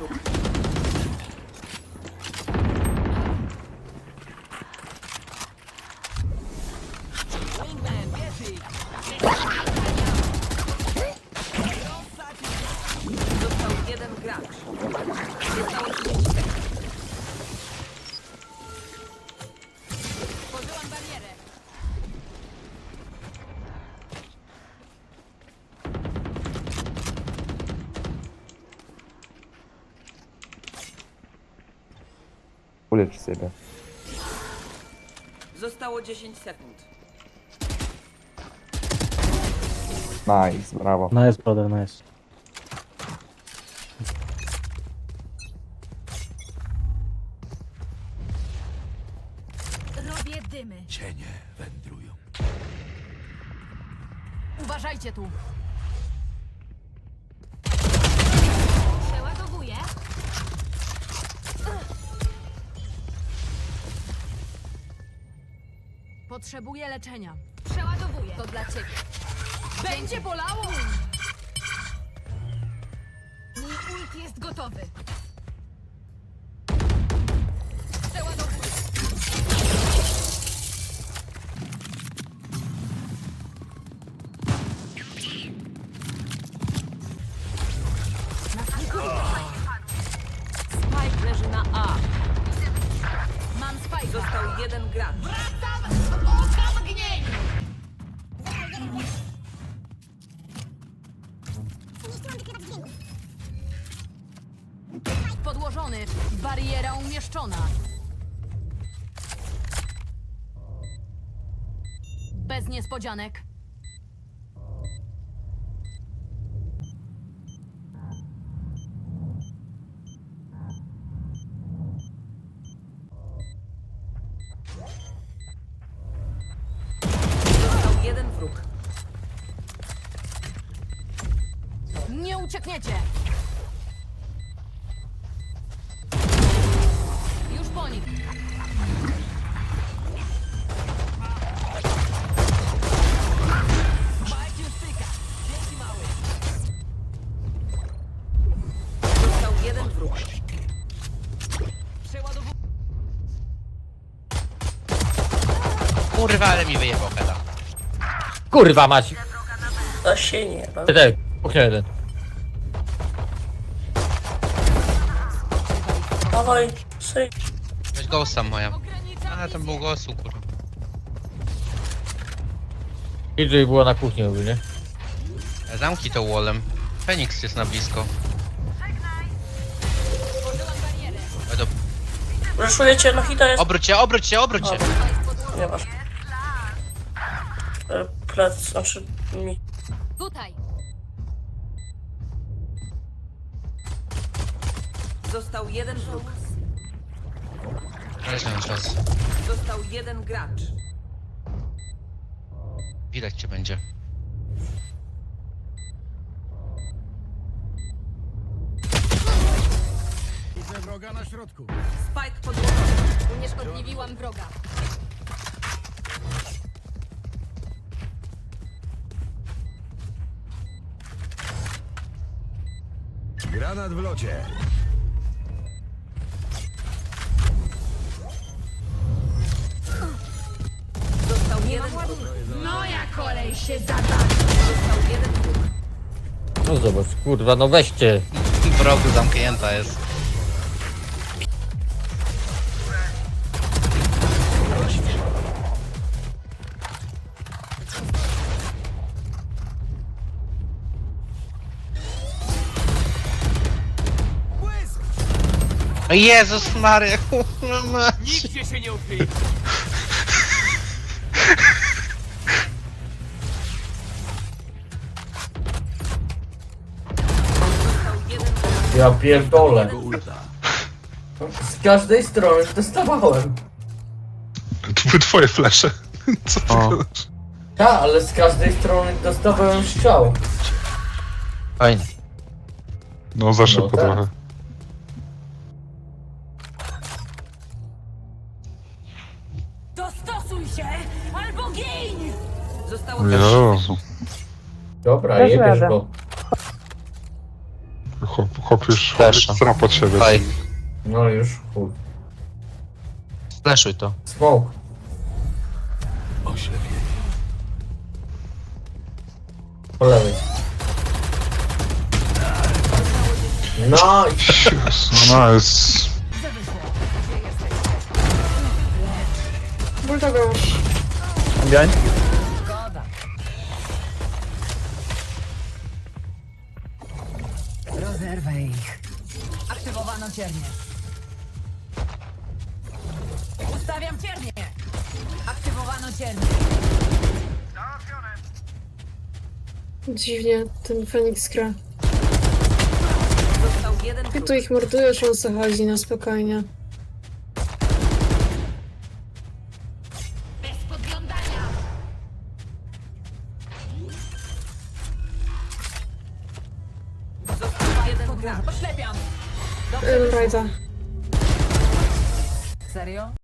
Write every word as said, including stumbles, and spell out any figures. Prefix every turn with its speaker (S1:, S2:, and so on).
S1: wróg. Został jeden gracz. Zostało trzydzieści sekund. Tworzyłam barierę.
S2: Ulecz siebie.
S1: Zostało dziesięć sekund.
S2: Nice, brawo.
S3: Nice, brother, nice.
S4: Robię dymy.
S5: Cienie wędrują.
S4: Uważajcie tu. Przeładowuję. Potrzebuję leczenia. Przeładowuję. To dla ciebie. Będzie bolało! Mój ult jest gotowy. Przeładowuję.
S1: Spike leży na A.
S4: Mam spajka.
S1: Został jeden gracz.
S4: Wracam z oka mgnień! Podłożony. Bariera umieszczona. Bez niespodzianek.
S1: Został jeden wróg.
S4: Nie uciekniecie! Już po nich.
S1: Został jeden wróg. Przeładowuję.
S6: Kurwa, ale mi wyjebał heda.
S3: Kurwa mać!
S7: To się nie da.
S3: Ty, kuchnia jeden.
S7: Dawaj, syj.
S6: Weź ghosta moja. A, tam był ghostu, kurwa.
S3: P J było na kuchni, mówię, nie?
S6: Zamknij to wallem. Feniks jest na blisko. Oj, do...
S7: Ryszujecie na hita jest.
S6: Obróć się, obróć się, obróć się!
S7: Nie masz. E, Plec, znaczy mi.
S4: Tutaj.
S1: Został jeden wróg.
S6: Ale nie mam czasu.
S1: Został jeden gracz.
S6: Widać cię będzie.
S5: Widzę wroga na środku.
S1: Spike podłożony.
S4: Unieszkodliwiłam wroga.
S5: Granat w locie.
S1: Został jeden wróg.
S4: Moja kolej się zada.
S1: Został jeden wróg.
S3: No zobacz, kurwa, no weźcie.
S6: W rogu zamknięta jest. O Jezus Maria, kurwa mać.
S5: Nigdzie się nie ukryje.
S1: Został jeden gracz.
S8: Ja pierdolę.
S5: Ulta.
S8: Z każdej strony dostawałem.
S9: To były twoje flesze. Co ty
S6: O.
S9: gadasz?
S8: Ta, ale z każdej strony dostawałem strzał.
S6: Fajnie.
S9: No za szybko
S8: tak.
S9: trochę.
S4: Dostosuj się albo gin!
S1: Zostało też
S9: Jezu.
S8: Dobra,
S10: Dasz
S8: jebiesz
S10: radę.
S8: go.
S9: Chłop, chłop już
S6: Flesza.
S9: stra pod siebie.
S6: Daj,
S8: No już, chuj.
S6: fleszuj to.
S8: Smoke.
S5: Oślepienie.
S8: Po lewej. No i
S9: Jezus, no jest...
S1: Rozerwę ich.
S4: Aktywowano ciernie. Ustawiam ciernie. Aktywowano ciernie.
S10: Dziwnie, ten Feniks gra.
S1: Został jeden
S10: Ty
S1: wróg.
S10: tu ich mordujesz, on co chodzi na spokojnie.
S4: Bez podglądania.
S1: Został jeden gracz.
S4: Oślepiam.
S10: Ym, Rajda.
S1: Serio?